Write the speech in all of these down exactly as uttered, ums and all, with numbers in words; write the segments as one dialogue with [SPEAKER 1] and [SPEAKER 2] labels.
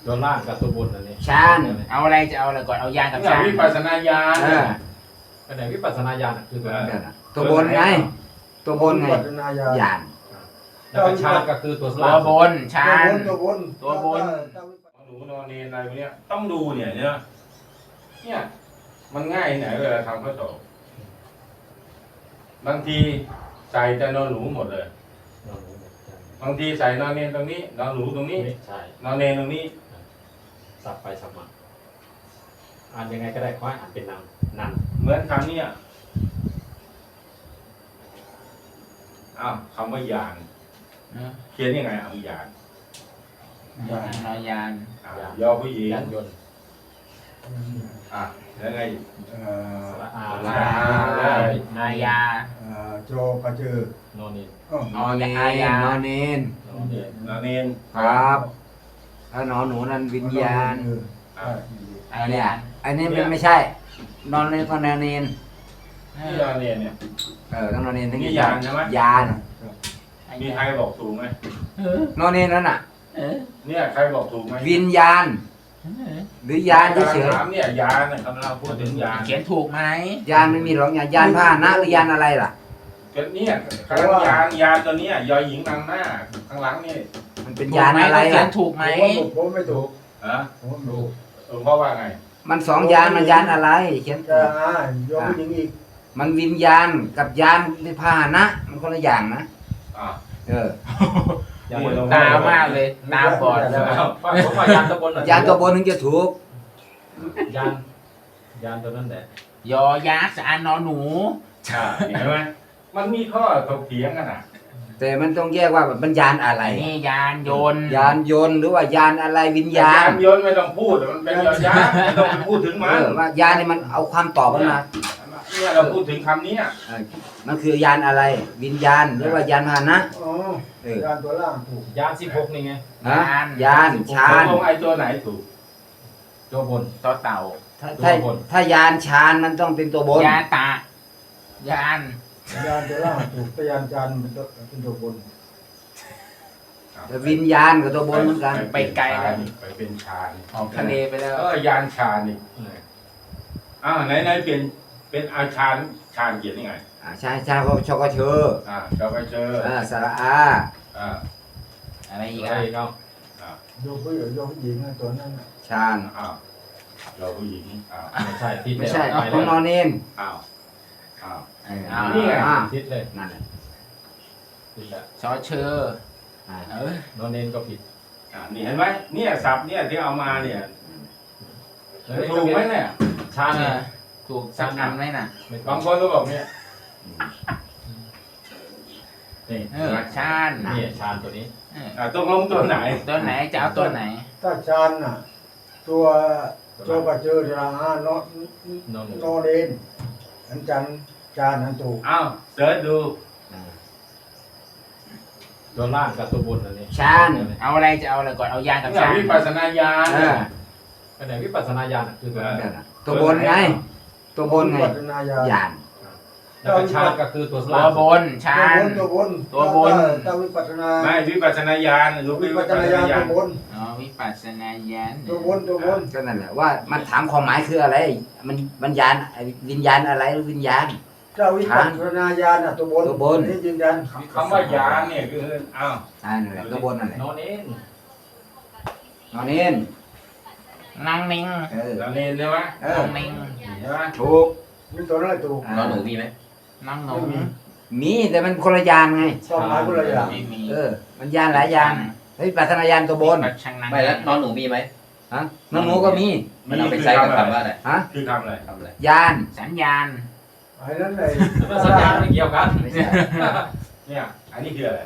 [SPEAKER 1] ตัวล่างกับตัวบนอันนี้
[SPEAKER 2] ฌาน
[SPEAKER 3] เอาอะไรจะเอาอะไรก่อนเอายานกับฌาน
[SPEAKER 4] วิปัสสนาญาณ
[SPEAKER 2] เออ
[SPEAKER 1] อันไหนวิปัสสนาญาณอะคือตัวนั้น
[SPEAKER 2] นั่นน่ะตัวบนไง ตัวบนไง
[SPEAKER 5] ปัจจนายา
[SPEAKER 2] ญาณ
[SPEAKER 1] แล้วก็ฌานก็คือตัว
[SPEAKER 3] ตั
[SPEAKER 1] ล่าว ง
[SPEAKER 3] บนฌาน
[SPEAKER 5] ตัวบน
[SPEAKER 3] ตัวบน
[SPEAKER 4] หนูนอนเนนอะไรพวกเนี้ยต้องดูเนี่ยเนี่ยเนี่ยมันง่ายไหนเวลาทำข้อสอบบางทีใส่แต่นอนหนูหมดเลย
[SPEAKER 1] นอนหนูหมดใช่
[SPEAKER 4] บางทีใส่นอนเนนตรงนี้นอนหนูตรงนี้
[SPEAKER 1] ใช่
[SPEAKER 4] นอนเนนตรงนี้
[SPEAKER 1] สับไปสับมาอ่านยังไงก็ได้ขอให้อ่านเป็นนามนัน
[SPEAKER 4] เหมือนคำเนี้ยอ้าวคำว่ายานเขียนยังไงเอายาน
[SPEAKER 3] นอยาน
[SPEAKER 4] อ่ะยอผู้หญิง
[SPEAKER 1] ยานยนต์
[SPEAKER 4] อ่ะแล้วไง
[SPEAKER 5] เอ่อ
[SPEAKER 1] สระอา
[SPEAKER 4] สระ
[SPEAKER 1] ได้
[SPEAKER 3] นายา
[SPEAKER 5] เอ่อโจกระเจือน
[SPEAKER 1] อนนี่
[SPEAKER 5] อ้อน
[SPEAKER 2] อนเนนนอนเนน
[SPEAKER 1] นอนนี่
[SPEAKER 4] นอนเนน
[SPEAKER 2] ครับถ้านอนหนูนั่นวิญญาณ
[SPEAKER 5] ใช่
[SPEAKER 2] อันเนี้ยอันนี้มันไม่ใช่ นอนเนนก็นอนเนน
[SPEAKER 4] ที่นอนเนนเนี่ย
[SPEAKER 2] เออต้องนอนเนนทั้ง
[SPEAKER 4] นี่ญาณใช่ไหม
[SPEAKER 2] ญาณ
[SPEAKER 4] มีใครบอกถูกไหม
[SPEAKER 2] นอนเนนนั่นน่ะ
[SPEAKER 4] เนี่ยใครบอกถูกไหม
[SPEAKER 2] วิญญาณ หรือยานเฉย
[SPEAKER 4] ถามเนี่ยยานเนี่ยกำลังพูดถึงยาน
[SPEAKER 3] เขียนถูกไหม
[SPEAKER 2] ๆยานไม่มีหรอกยานยานพาหนะหรือยานอะไรล่ะ
[SPEAKER 4] ก็เนี่ยคำว่ายานยานตัวเนี้ยยอหญิงนำหน้าข้างหลังนี่
[SPEAKER 2] มันเป็น
[SPEAKER 3] ถูก
[SPEAKER 2] ยาน
[SPEAKER 3] ไหม
[SPEAKER 2] อะไร
[SPEAKER 3] เขีย
[SPEAKER 2] ล่ะ
[SPEAKER 3] นถูกไหม
[SPEAKER 5] ผมไม่ถูก
[SPEAKER 4] ฮะ
[SPEAKER 5] ผมไม่ถูก
[SPEAKER 4] เออเพราะว่าไง
[SPEAKER 2] มันสองยานมันยานอะไรเขียน
[SPEAKER 5] จะอ่าโยมผู้หญิงอีก
[SPEAKER 2] มันวิญญาณกับยานเป็นพาหนะ มันคนละอย่างนะ
[SPEAKER 4] อ่า
[SPEAKER 2] เออ
[SPEAKER 1] ยาน
[SPEAKER 3] ตามากเลยตาบอด
[SPEAKER 1] ผมว่ายานตัวบนเหรอย
[SPEAKER 2] านตัวบนถึงจะถูก
[SPEAKER 1] ยานยานตัวนั้นแหละ
[SPEAKER 3] ยอยักษ์สารนอหนู
[SPEAKER 4] อ่าเห็นไหมมันมีข้อถกเถียงกันอ่ะ
[SPEAKER 2] แต่มันต้องแยกว่ามันยานอะไร
[SPEAKER 3] นี่ยานยนต์
[SPEAKER 2] ยานยนต์หรือว่ายานอะไรวิญญาณ
[SPEAKER 4] ยานยนต์ไม่ต้องพูดมันเป็นยอยักษ์ไม่ต้องไปพูดถึง
[SPEAKER 2] เอ
[SPEAKER 4] มัน
[SPEAKER 2] อว่ายานนี่มันเอาความตอบมันมา
[SPEAKER 4] เนี่ยเราพูดถึงคำนี้
[SPEAKER 2] เออมันคือยานอะไร วิญญาณหรือว่ายานพาหนะ
[SPEAKER 5] อ๋อ
[SPEAKER 2] เออ
[SPEAKER 5] ยานตัวล่างถูก
[SPEAKER 1] ยานสิบหกนี่ไง
[SPEAKER 2] ฮะยานชา
[SPEAKER 4] ต
[SPEAKER 2] ญ
[SPEAKER 4] กลงไอ้ตัวไหนถูก
[SPEAKER 1] ตัวบน
[SPEAKER 3] ต่อเต่า
[SPEAKER 2] ถ้าถ้าถ้ายานชาญมันต้องเป็นตัวบน
[SPEAKER 3] ยาตะยาน
[SPEAKER 5] ยานตัวล่างถูกแต่ยานจานเป็นตัวเป็นตัวบน
[SPEAKER 2] แต่วิญญาณกับตัวบนเหมือนกัน
[SPEAKER 3] ไปไกลแล้ว
[SPEAKER 4] ไปเป็นฌาน
[SPEAKER 3] ออกทะเลไปแล้ว
[SPEAKER 4] เออยานฌานนี่อ้าวไหนไหนเป็นเป็นอาชานฌานเขียนยังไง
[SPEAKER 2] อ่าชาญชาญก็ชกเชอ
[SPEAKER 4] อ่าเราไปเจอ
[SPEAKER 2] อ่าสระอา
[SPEAKER 4] อ่า
[SPEAKER 3] อะไรอีก
[SPEAKER 1] อะไร
[SPEAKER 3] อ่ะ
[SPEAKER 1] อีกเอา
[SPEAKER 5] โยมผู้หญิงโยมผู้หญิงนะตัวนั้นน่ะ
[SPEAKER 2] ชาญ
[SPEAKER 4] อ้าวเราผู้หญิงอ้าว
[SPEAKER 1] ไม่ใช่ทิศ
[SPEAKER 2] ไม่ใช่
[SPEAKER 1] ไป
[SPEAKER 2] ของน
[SPEAKER 1] แล้
[SPEAKER 2] อ
[SPEAKER 1] วน
[SPEAKER 2] เนน
[SPEAKER 4] อ้าวอ้าว
[SPEAKER 2] เออ
[SPEAKER 3] อ่า
[SPEAKER 4] นี่ไง
[SPEAKER 2] อ่า
[SPEAKER 1] ทิศเลย
[SPEAKER 2] นั่นแหละ
[SPEAKER 1] ทิศแล้ว
[SPEAKER 3] ชอเชอ
[SPEAKER 2] อ่า
[SPEAKER 3] เออน
[SPEAKER 1] อนเนนก็ผิด
[SPEAKER 4] อ่านี่เห็นไหมเนี่ยศัพท์เนี่ยที่เอามาเนี่ย
[SPEAKER 1] เฮ้ย
[SPEAKER 4] ถูกไหมเนี่ย
[SPEAKER 1] ชาญ
[SPEAKER 3] เอ
[SPEAKER 1] เนี่ย
[SPEAKER 3] อถูกสักอันไหมน่ะ
[SPEAKER 1] ไม่ต้
[SPEAKER 4] บา
[SPEAKER 1] อง
[SPEAKER 4] งคนก็บอกเนี่ย
[SPEAKER 1] นี่
[SPEAKER 3] เออชาญ
[SPEAKER 1] นี่ชาญตัวนี้
[SPEAKER 3] เออ
[SPEAKER 4] อ่าตกลงตัวไหน
[SPEAKER 3] ตัวไหนจะเอาตัวไหน
[SPEAKER 5] ถ้าจานน่ะ ตัวโจกระเจือราหานอน
[SPEAKER 1] นอนหนู
[SPEAKER 5] นอนเองอันจันจานนั้นถูก
[SPEAKER 4] อ้าวเสิร์ชดู
[SPEAKER 2] อ่า
[SPEAKER 1] ตัวล่างกับตัวบนอันนี้
[SPEAKER 2] ชาญ
[SPEAKER 3] เอาอะไรจะเอาอะไรก่อนเอายานกับ
[SPEAKER 4] เนี่ย
[SPEAKER 3] ฌาน
[SPEAKER 4] วิปัสสนาญาณ
[SPEAKER 2] เออ
[SPEAKER 1] อันไหนวิปัสสนาญาณอะคือตัวนั้น
[SPEAKER 2] นั่นน่ะตัวบนไง ตัวบนไง
[SPEAKER 5] ปัจจนายาย
[SPEAKER 2] าน
[SPEAKER 1] แล้วก็ชาญก็คือตัว
[SPEAKER 3] ตั
[SPEAKER 1] ล่าว ง
[SPEAKER 3] บนฌาน
[SPEAKER 5] ตัวบน
[SPEAKER 3] ตัวบน
[SPEAKER 5] ถ้าวิปัสสนา
[SPEAKER 4] ไม่วิปัสสนาญาณหรือวิ
[SPEAKER 5] วิ
[SPEAKER 4] ปั
[SPEAKER 5] ปั
[SPEAKER 4] ส
[SPEAKER 5] ส
[SPEAKER 4] ส
[SPEAKER 5] ส
[SPEAKER 4] นา
[SPEAKER 5] นาญาณ
[SPEAKER 4] ญา
[SPEAKER 5] ตั
[SPEAKER 4] ณ
[SPEAKER 5] วบน
[SPEAKER 3] อ๋อวิปัสสนาญาณ
[SPEAKER 5] ตัวบนตัวบน
[SPEAKER 2] ก็นั่นแหละว่ามันถามความหมายคืออะไร มันมันยานวิญญาณอะไรหรือวิญญาณ
[SPEAKER 5] ถ้าวิปัสสนาญาณน่ะตัวบน
[SPEAKER 2] ตัวบน
[SPEAKER 5] นี่ยืนยัน
[SPEAKER 4] คำว่ายานเนี่ยคืออ้าว
[SPEAKER 2] อ่านั่นแหละตัวบนนั่นแหละ
[SPEAKER 1] นอนเนน
[SPEAKER 2] นอนเนน
[SPEAKER 3] นางนิง
[SPEAKER 2] เออ
[SPEAKER 4] เราเนนใช่ไหม
[SPEAKER 2] เออน
[SPEAKER 3] างนิง
[SPEAKER 4] ใช่ไหม
[SPEAKER 2] ถูก
[SPEAKER 5] นี่ตัวนั้นแหละถูก
[SPEAKER 2] อ่า
[SPEAKER 6] นอนหนูมีไหม
[SPEAKER 3] นางหนู
[SPEAKER 2] มีแต่มันคนละยานไง
[SPEAKER 5] ความหมายคนละอย่าง
[SPEAKER 3] ไม่มี
[SPEAKER 2] เออ มันยานหลายยานเฮ้ยปัตนายานตัวบน
[SPEAKER 3] ปัจฉังนาง
[SPEAKER 6] ไม่แล้วนอนหนูมีไหม
[SPEAKER 2] ฮะน้องหนูก็มี
[SPEAKER 6] มันเอาไปใช้กับคำว่าอะไร
[SPEAKER 2] ฮะ
[SPEAKER 4] คือคำอะไร
[SPEAKER 6] คำอะไร
[SPEAKER 2] ยาน
[SPEAKER 3] สัญญาณ
[SPEAKER 5] ไอ้นั้นเลย
[SPEAKER 1] แล้วสัญญาณไม่เกี่ยวกัน
[SPEAKER 2] ไม่ใช่
[SPEAKER 4] เนี่ยอันนี้คืออะไร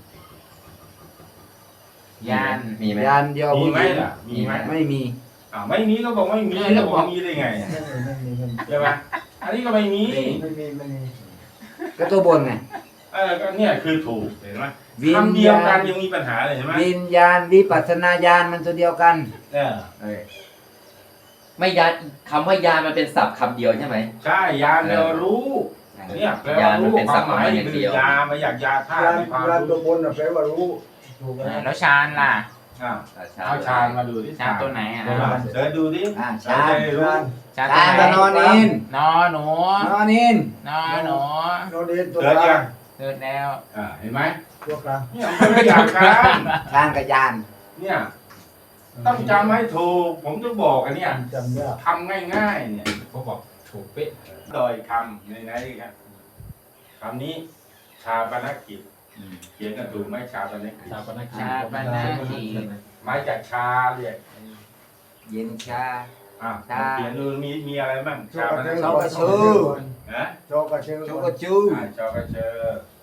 [SPEAKER 3] ยาน
[SPEAKER 6] มีไหม
[SPEAKER 2] ยานเดียว
[SPEAKER 4] มี
[SPEAKER 2] ผู้
[SPEAKER 4] ไหม
[SPEAKER 2] หญิง
[SPEAKER 4] ล่ะมีไหม
[SPEAKER 2] ไม่มี
[SPEAKER 4] อ่าวไม่มีก็บอกไม่มีแล้วบอกมีได้ไง
[SPEAKER 5] ไม่มีไม่มีไม่มี
[SPEAKER 4] ใช่ไหมอันนี้ก็ไม่มี
[SPEAKER 5] ไม่มีไม่มี
[SPEAKER 2] ก็ตัวบนไง
[SPEAKER 4] เออก็เนี่ยคือถูกเห็นไหม
[SPEAKER 2] วิญ
[SPEAKER 4] คำเดียว
[SPEAKER 2] ญา
[SPEAKER 4] กั
[SPEAKER 2] ณ
[SPEAKER 4] นยังมีปัญหาเลยเห็นไหม
[SPEAKER 2] วิญญาณวิปัสสนาญาณมันตัวเดียวกัน
[SPEAKER 4] เนี่ย
[SPEAKER 2] เออ
[SPEAKER 6] ไม่ยานคำว่ายานมันเป็นศัพท์คำเดียวใช่ไหม
[SPEAKER 4] ใช่ยานเรารู้เนี่ยแปลว่ารู้ความหมายคือยามาอยากยาธาตุ
[SPEAKER 5] ยาน
[SPEAKER 4] มีความ
[SPEAKER 5] ยานตั
[SPEAKER 4] รู้
[SPEAKER 5] วบนน่ะแปลว่ารู้ถูกไหม
[SPEAKER 3] แล้วฌานล่ะ
[SPEAKER 4] ชอ่า
[SPEAKER 6] อ่ะชา
[SPEAKER 4] เอาชานมาดูที่
[SPEAKER 3] ชานตัวไหนอ่ะ
[SPEAKER 4] อ่าเดินดูดิ
[SPEAKER 2] อ่า
[SPEAKER 4] ชา
[SPEAKER 2] ชาน
[SPEAKER 4] จะได้รู้
[SPEAKER 3] ชาน
[SPEAKER 2] ชาน
[SPEAKER 3] ตัว
[SPEAKER 2] กับ
[SPEAKER 3] ไหน
[SPEAKER 2] นอนนิน
[SPEAKER 3] นอหนู
[SPEAKER 2] นอนนิน
[SPEAKER 3] นอหนู
[SPEAKER 5] โนเดนตัว
[SPEAKER 4] เดิน
[SPEAKER 5] กลา
[SPEAKER 4] ยัง ง
[SPEAKER 3] เดินแล้ว
[SPEAKER 4] อ่าเห็นไหม
[SPEAKER 5] ตัวกลาง
[SPEAKER 4] เนี่ยมันไม่อยากกัน
[SPEAKER 2] ชานกับยาน
[SPEAKER 4] เนี่ยต้องจำให้ถูกผมจะบอกกันเนี่ย
[SPEAKER 5] จำยาก
[SPEAKER 4] ทำง่ายๆเนี่ย
[SPEAKER 1] เขาบอกถูกเป๊ะ
[SPEAKER 4] โดยคำในไหนครับคำนี้ชาปนกิจเขียนกันถูกไหมชาปนกิจ
[SPEAKER 1] ชาปนกิจ
[SPEAKER 3] ชาปนกิจ
[SPEAKER 4] มาจากชาเรียก
[SPEAKER 2] เย็นชา
[SPEAKER 4] อ่ะ
[SPEAKER 2] ชา
[SPEAKER 4] เขียนดูมีมีอะไรบ้าง
[SPEAKER 5] โช
[SPEAKER 4] ชาก ป
[SPEAKER 5] กระ
[SPEAKER 4] น
[SPEAKER 5] เชื
[SPEAKER 4] กิ
[SPEAKER 5] อ
[SPEAKER 4] จ
[SPEAKER 2] กระชือ
[SPEAKER 4] นะ
[SPEAKER 5] โชกกระเชือ
[SPEAKER 2] ชูกระจู
[SPEAKER 4] อ่าชอกระเชอ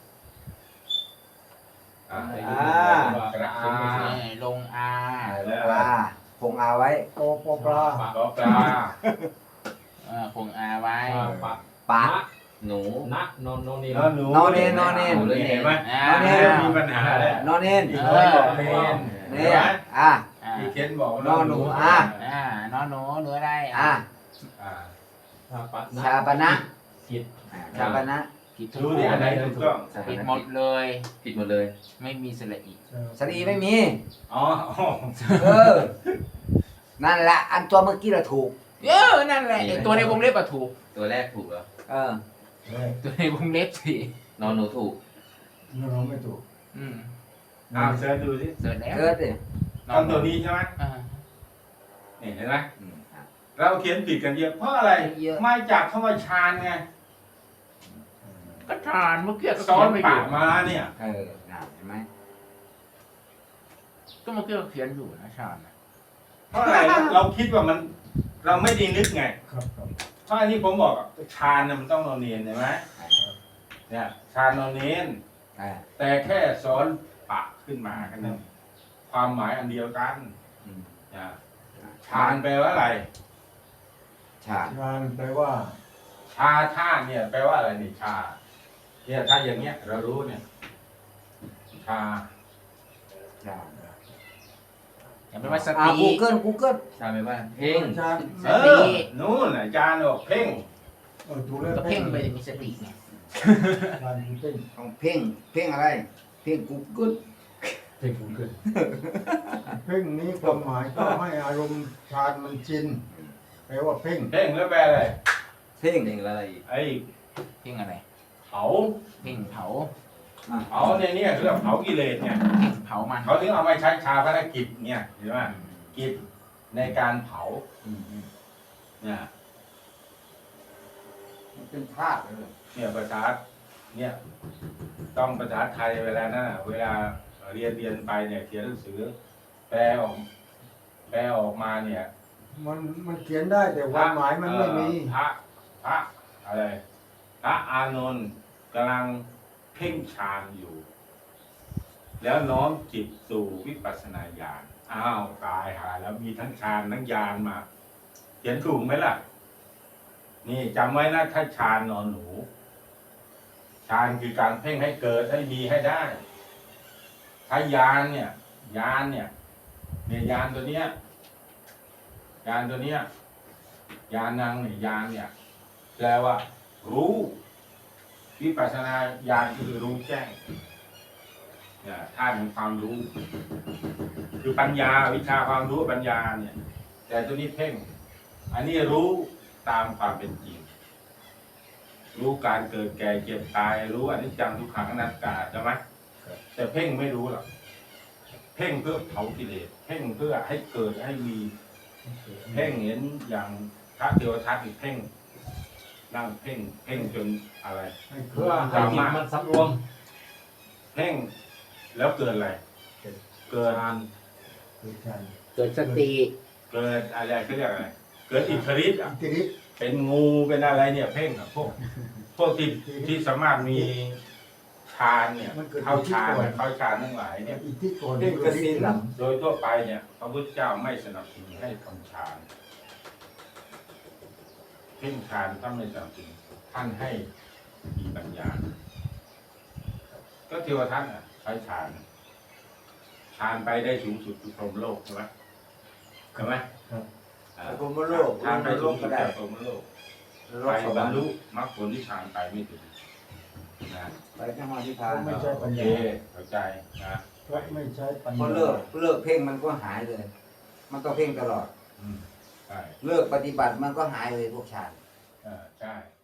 [SPEAKER 4] อ่า
[SPEAKER 2] อ่า
[SPEAKER 4] กระอา
[SPEAKER 3] นี่ลงอา
[SPEAKER 4] แล้ว
[SPEAKER 2] ปลาคงเอาไว้
[SPEAKER 5] โอโปปลา
[SPEAKER 4] ก็ปลา
[SPEAKER 3] เออคงอาไว้
[SPEAKER 1] ปะ
[SPEAKER 2] ปลา
[SPEAKER 6] หนู
[SPEAKER 1] นะนอนนอนนี่
[SPEAKER 4] นอนหนู
[SPEAKER 2] นอนเนนนอนเนน
[SPEAKER 4] เห็นไหม
[SPEAKER 3] อ่า
[SPEAKER 2] นอนเน
[SPEAKER 4] มีปัญหาแล้ว
[SPEAKER 2] นอนนิน
[SPEAKER 4] อีกคนบอกเนน
[SPEAKER 2] เนี่ยอ่ะ
[SPEAKER 3] อ่า
[SPEAKER 4] อีกเคนบอก
[SPEAKER 2] นอนหนูอ่ะ
[SPEAKER 3] อ่านอหนูหนูอะไร
[SPEAKER 2] อ่ะ
[SPEAKER 4] อ่า
[SPEAKER 1] ชาปะ
[SPEAKER 2] ชาปนะ
[SPEAKER 1] กิจ
[SPEAKER 2] ชาปนะ
[SPEAKER 3] ผิดทุ
[SPEAKER 4] ดู
[SPEAKER 3] ก
[SPEAKER 4] ดิอันไหนถูกต้อง
[SPEAKER 3] ผิดหมดเลย
[SPEAKER 6] ผิดหมดเลย
[SPEAKER 3] ไม่มีสระอี
[SPEAKER 2] สรีไม่มี
[SPEAKER 4] อ๋ออ๋อ
[SPEAKER 2] เออ นั่นแหละ อันตัวเมื่อกี้เราถูก
[SPEAKER 3] เออนั่นแหละไอ้ตัวในวงเล็บอะถูก
[SPEAKER 6] ตัวแรกถูกแล้ว
[SPEAKER 2] เออ
[SPEAKER 5] เฮ้ย
[SPEAKER 3] ตัวในวงเล็บสิ
[SPEAKER 6] นอนหนูถูก
[SPEAKER 5] น้องไม่ถูก
[SPEAKER 3] อืม
[SPEAKER 4] อ้าวเชิญดูสิ
[SPEAKER 3] เสร็จแล้ว
[SPEAKER 2] เกิดดิ
[SPEAKER 4] ต้องตัวนี้ใช่ไหม
[SPEAKER 3] อ่า
[SPEAKER 4] นี่เห็นไหม
[SPEAKER 2] อืมอ่ะ
[SPEAKER 4] เราเขียนผิดกันเยอะเพราะอะไร
[SPEAKER 2] เยอะ
[SPEAKER 4] มาจากคำว่าชานไง
[SPEAKER 3] ก็ทานเมื่อกี้ก็
[SPEAKER 4] ซ้อ
[SPEAKER 3] เขีย
[SPEAKER 4] น
[SPEAKER 3] นไปอ
[SPEAKER 4] ปา
[SPEAKER 3] ยู่
[SPEAKER 4] กมาเนี่ย
[SPEAKER 2] เออน่ะเห็นไหม
[SPEAKER 3] ก็เมื่อกี้ก็เขียนอยู่นะชาญนะ
[SPEAKER 4] เพราะอะไร เราคิดว่ามัน เราไม่ดีนึกไง
[SPEAKER 5] ครับครับ
[SPEAKER 4] เพราะอันนี้ผมบอกอะชานน่ะมันต้องนอนเนียนใช่ไหมเนี่ยชานนอนเนียน
[SPEAKER 2] อ่ะ
[SPEAKER 4] แต่แค่ซ้อนปากขึ้นมาแค่นั้นความหมายอันเดียวกัน
[SPEAKER 2] อืม
[SPEAKER 4] นะชานแปลว่าอะไร
[SPEAKER 2] ชา
[SPEAKER 5] งานแปลว่า
[SPEAKER 4] ชาท่าเนี่ยแปลว่าอะไรนี่ชา เนี่ยถ้าอย่างเงี้ย เรารู้เนี่ย ชา
[SPEAKER 2] ชา
[SPEAKER 3] อย่าไปว่าส
[SPEAKER 2] อ่า
[SPEAKER 3] ติ
[SPEAKER 2] กูเกิลกูเกิล
[SPEAKER 6] ชาไม่ว่าเพ่ง
[SPEAKER 5] ชา
[SPEAKER 3] ส
[SPEAKER 4] เอ
[SPEAKER 3] ติ
[SPEAKER 4] อนู่นอาจารย์บอกเพ่ง
[SPEAKER 5] เออถูกแล้ว
[SPEAKER 3] ก็เพ่งไปจะมีสติไง
[SPEAKER 5] ชาคือเพ่ง
[SPEAKER 2] ต้องเพ่ง เพ่งอะไร เพ่งกูเกิล
[SPEAKER 1] เพ่งขึ้น
[SPEAKER 5] เพ่งนี้ความหมายก็ให้อารมณ์ชามันชินแปลว่าเพ่ง
[SPEAKER 4] เพ่งแล้วแปลอะไร
[SPEAKER 2] เพ่ง
[SPEAKER 6] เพ่งแล้วอะไรอีก
[SPEAKER 4] ไอ้
[SPEAKER 3] เพ่งอะไร
[SPEAKER 4] เผา
[SPEAKER 3] เพ่งเผา
[SPEAKER 4] เผาเนี่ยเนี่ยเรียกว่าเผากิเลสเนี่ย
[SPEAKER 3] เพ่งเผามัน
[SPEAKER 4] เขาถึงเอามาใช้ชาพนกิจเนี่ยเห็นไหมกิจในการเผา
[SPEAKER 2] อืมอืม
[SPEAKER 4] เนี่ย
[SPEAKER 2] มันเป็นธาตุเลย
[SPEAKER 4] เนี่ยภาษาเนี่ยต้องภาษาไทยเวลานั้นน่ะเวลาเรียนเรียนไปเนี่ยเขียนหนังสือ แปลออก แปลออกมาเนี่ย
[SPEAKER 5] มันมันเขียนได้แต่ความหมายมันไม่มี
[SPEAKER 4] พระพระอะไรพระอานนท์กำลังเพ่งฌานอยู่ แล้วน้อมจิตสู่วิปัสสนาญาณอ้าวตายหาแล้วมีทั้งฌานทั้งญาณมา เขียนถูกไหมล่ะ นี่จำไว้นะถ้าฌานนอนหนูฌานคือการเพ่งให้เกิดให้มีให้ได้ ถ้าญาณเนี่ยญาณเนี่ยเนี่ยญาณตัวเนี้ยญาณตัวเนี้ยญาณนางเนี่ยญาณเนี่ยแปลว่า รู้วิปัสสนาญาณคือรู้แจ้งเนี่ยธาตุของความรู้ คือปัญญาวิชาความรู้ปัญญาเนี่ย แต่ตัวนี้เพ่ง อันนี้รู้ตามความเป็นจริง รู้การเกิดแก่เจ็บตาย รู้อนิจจังทุกขังอนัตตาใช่ไหมแต่เพ่งไม่รู้หรอกเพ่งเพื่อเผากิเลสเพ่งเพื่อให้เกิดให้มี เพ่งเห็นอย่างพระเทวทัตอีกเพ่งนั่งเพ่งเพ่งจนอะไร
[SPEAKER 5] ให้
[SPEAKER 1] เพื่
[SPEAKER 5] เพื่
[SPEAKER 1] อ
[SPEAKER 5] อ
[SPEAKER 1] ให้จิตมันสำรวม
[SPEAKER 4] เพ่งแล้วเกิดอะไร เกิด
[SPEAKER 1] ฌาน
[SPEAKER 5] คือชา
[SPEAKER 3] เกิดสติ
[SPEAKER 4] เกิดอะไรเขาเรียกอะไร เกิดอิทธิฤทธิ์อะ
[SPEAKER 5] อิทธิฤทธิ์
[SPEAKER 4] เป็นงูเป็นอะไรเนี่ยเพ่งอะพวกพวกที่ที่สามารถมีฌานเนี่ยเข้าฌานเนี่ยเข้าฌานทั้งหลายเนี่ย
[SPEAKER 5] อิทธิโกนเพ่งกระสินหลัง
[SPEAKER 4] โดยทั่วไปเนี่ยพระพุทธเจ้าไม่สนับสนุนให้ทำฌานเพ่งฌานท่านไม่สนับสนุนท่านให้มีปัญญา ก็เทวทัตอ่ะใช้ฌานฌานไปได้สูงสุดคือพรหมโลกใช่ไหมใช่ไหม
[SPEAKER 5] ครับ
[SPEAKER 4] อ่า
[SPEAKER 2] พรหมโลก
[SPEAKER 4] ฌานไปสูงสุด
[SPEAKER 2] ได้
[SPEAKER 4] จากพรหมโลก
[SPEAKER 2] โล
[SPEAKER 4] ไป
[SPEAKER 2] กส
[SPEAKER 4] บ
[SPEAKER 2] ว
[SPEAKER 4] ร
[SPEAKER 2] ร
[SPEAKER 4] ร
[SPEAKER 2] รค์
[SPEAKER 4] ลุมรรคผลที่ฌานไปไม่ถึงนะ
[SPEAKER 2] ไปข้างมาที่พา
[SPEAKER 5] ไม่ใช่ปัญ
[SPEAKER 4] โอเค
[SPEAKER 5] ญา
[SPEAKER 4] เข้าใจนะ
[SPEAKER 5] เพราะไม่ใช้ปัญ
[SPEAKER 2] พอ
[SPEAKER 5] ญา
[SPEAKER 2] เลิกเลิกเพ่งมันก็หายเลย มันต้องเพ่งตลอด
[SPEAKER 4] อืมใช่
[SPEAKER 2] เลิกปฏิบัติมันก็หายเลยพวกฌาน
[SPEAKER 4] เออใช่